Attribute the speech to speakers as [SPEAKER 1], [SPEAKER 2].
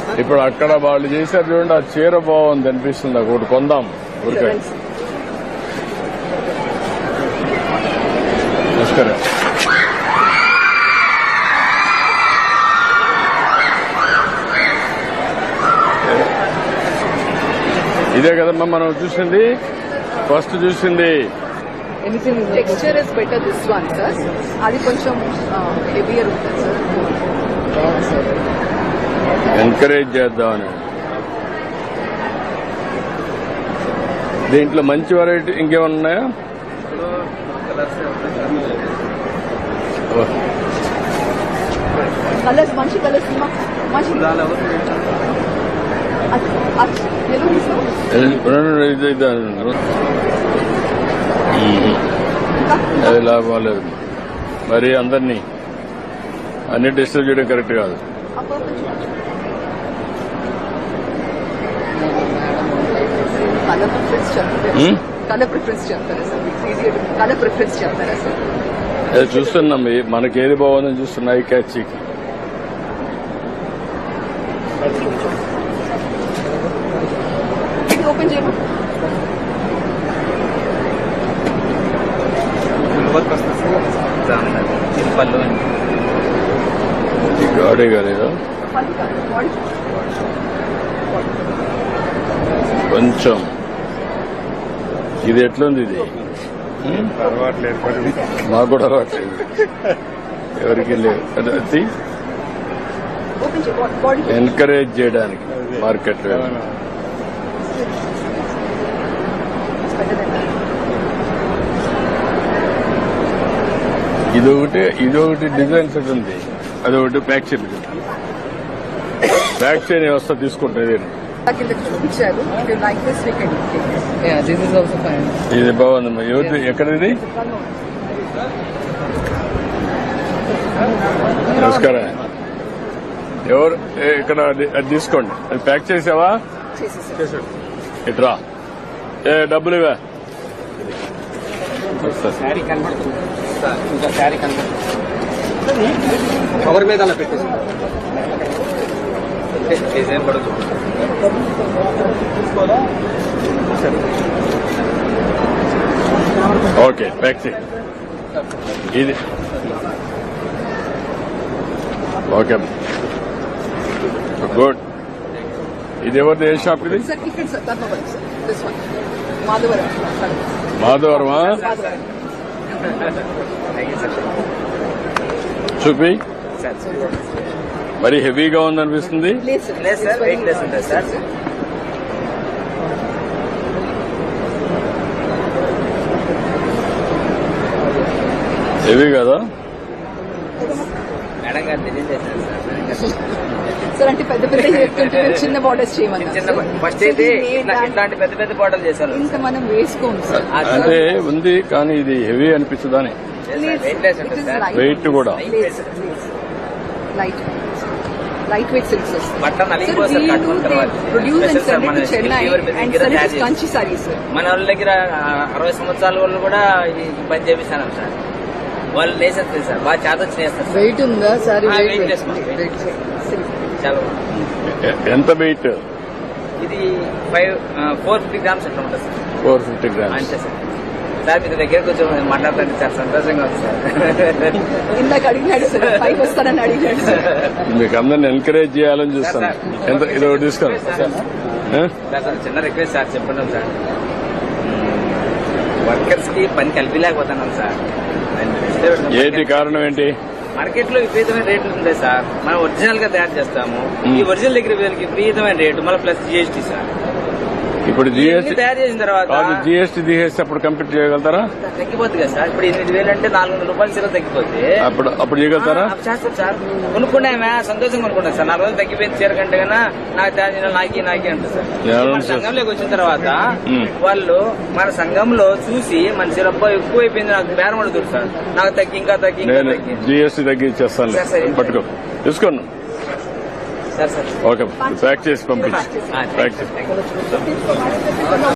[SPEAKER 1] ఇప్పుడు అక్కడ వాళ్ళు చేశారు చూడండి, ఆ చీర బాగుంది అనిపిస్తుంది, ఒకటి కొందాం ఊరికే. నమస్కారం. ఇదే కదమ్మా మనం చూసింది, ఫస్ట్ చూసింది.
[SPEAKER 2] Texture is better this one sir, అది కొంచెం హెవియర్ ఉంటుంది సార్.
[SPEAKER 1] ఎంకరేజ్ చేద్దామని. దీంట్లో మంచి వెరైటీ ఇంకేమన్నా ఉన్నాయా?
[SPEAKER 2] కలర్స్ మంచి కలర్స్ మంచి
[SPEAKER 1] అది లాభం లేదు. మరి అందరినీ అన్ని డిస్టర్బ్ చేయడం కరెక్ట్ కాదు.
[SPEAKER 2] కలర్ ప్రిఫరెన్స్ చెప్తారా సార్? కలర్ ప్రిఫరెన్స్ చెప్తారా సార్?
[SPEAKER 1] అది చూస్తున్నాం, మనకి ఏది బాగుందని చూస్తున్నాయి. క్యాచ్
[SPEAKER 2] ఓపెన్ చేయము.
[SPEAKER 1] గాడే కాలేదా కొంచెం? ఇది ఎట్లుంది? ఇది మాకు కూడా అలవాట్లేదు, ఎవరికి లేదు. అది ఎంకరేజ్ చేయడానికి మార్కెట్ లో. ఇదొకటి డిజైన్ సెట్ ఉంది, అదొకటి బ్యాక్ చైన్. బ్యాక్ చైన్ వ్యవస్థ తీసుకుంటుంది. ఇది బాగుందమ్మా. ఎవరు ఎక్కడిది? నమస్కారం. ఎవరు ఇక్కడ? అది తీసుకోండి. అది ప్యాక్ చేసావా? ఇట్రా. డబ్బులు ఇవా?
[SPEAKER 3] కవర్ మీద అలా పెట్టేసి
[SPEAKER 1] ఓకే, ప్యాక్ చేయి. ఇది ఓకే, గుడ్. ఇది ఎవరిది? ఏ షాప్ ఇది? మాధవరమా? చూపి. మరి హెవీగా ఉందనిపిస్తుంది. హెవీ కదా?
[SPEAKER 2] సార్ అంటే పెద్ద పెద్ద చెప్తుంటే చిన్న బార్డర్స్ చేయమని
[SPEAKER 3] ఫస్ట్ అయితే ఇట్లాంటి పెద్ద పెద్ద బాటలు చేశారు.
[SPEAKER 2] ఇంకా మనం వేసుకోము సార్.
[SPEAKER 1] అంటే ఉంది కానీ ఇది హెవీ అనిపించదని. వెయిట్ కూడా
[SPEAKER 2] light weight silks Kanchi saris.
[SPEAKER 3] మన వాళ్ళ దగ్గర 60 సంవత్సరాల వాళ్ళు కూడా ఈ పని చేపిస్తాను సార్. వాళ్ళు వేసేస్తారు సార్, బాగా చేత వచ్చి వేస్తారు.
[SPEAKER 2] వెయిట్ ఉందా సార్?
[SPEAKER 3] చాలా
[SPEAKER 1] ఎంత వెయిట్?
[SPEAKER 3] ఇది 450 గ్రామ్స్ అట్లా ఉంటుంది సార్.
[SPEAKER 1] 450 గ్రామ్స్
[SPEAKER 3] అంతే సార్. సార్ మీ దగ్గర కొంచెం మాట్లాడుతుంటే చాలా సంతోషంగా ఉంది సార్.
[SPEAKER 2] ఇందాక అడిగినాడు సార్, పైకి వస్తానని అడిగినాడు సార్.
[SPEAKER 1] మీకు అందరిని ఎంకరేజ్ చేయాలని చూస్తాను. ఎంత ఇది ఒకటి తీసుకోండి
[SPEAKER 3] సార్. చిన్న రిక్వెస్ట్ సార్, చెప్పండి సార్. వర్కర్స్ కి పని కలిపిలేకపోతున్నాం సార్.
[SPEAKER 1] ఏంటి కారణం? ఏంటి?
[SPEAKER 3] మార్కెట్ లో విపరీతమైన రేట్లు ఉంటాయి సార్. మనం ఒరిజినల్ గా తయారు చేస్తాము. ఈ ఒరిజినల్ దగ్గర విపరీతమైన రేటు, మళ్ళీ ప్లస్ GST సార్.
[SPEAKER 1] ఇప్పుడు GST
[SPEAKER 3] తయారు చేసిన తర్వాత
[SPEAKER 1] GST తీసేస్తే అప్పుడు కంప్లీట్ చేయగలుగుతారా?
[SPEAKER 3] తగ్గిపోతుంది కదా సార్. ఇప్పుడు 8,000 అంటే 400 రూపాయలు సీర తగ్గిపోతే
[SPEAKER 1] అప్పుడు చేయగలుగుతారా?
[SPEAKER 3] చేస్తాం సార్. కొనుక్కున్నామే సంతోషంగా కొనుక్కున్నాం సార్. 4 రోజులు తగ్గిపోయింది చీర కంటే కన్నా నాకు తయారు చేయడం నాకి అంటే సార్. మన సంఘంలోకి వచ్చిన తర్వాత వాళ్ళు మన సంఘంలో చూసి మన చీర ఎక్కువ అయిపోయింది, నాకు బేరం అడుగుతారు సార్. నాకు తగ్గి ఇంకా తగ్గి
[SPEAKER 1] GST తగ్గించేస్తాను. పట్టుకో, తీసుకోండి.
[SPEAKER 3] సార్ సార్
[SPEAKER 1] ఓకే, ప్యాక్ చేసి పంపించి.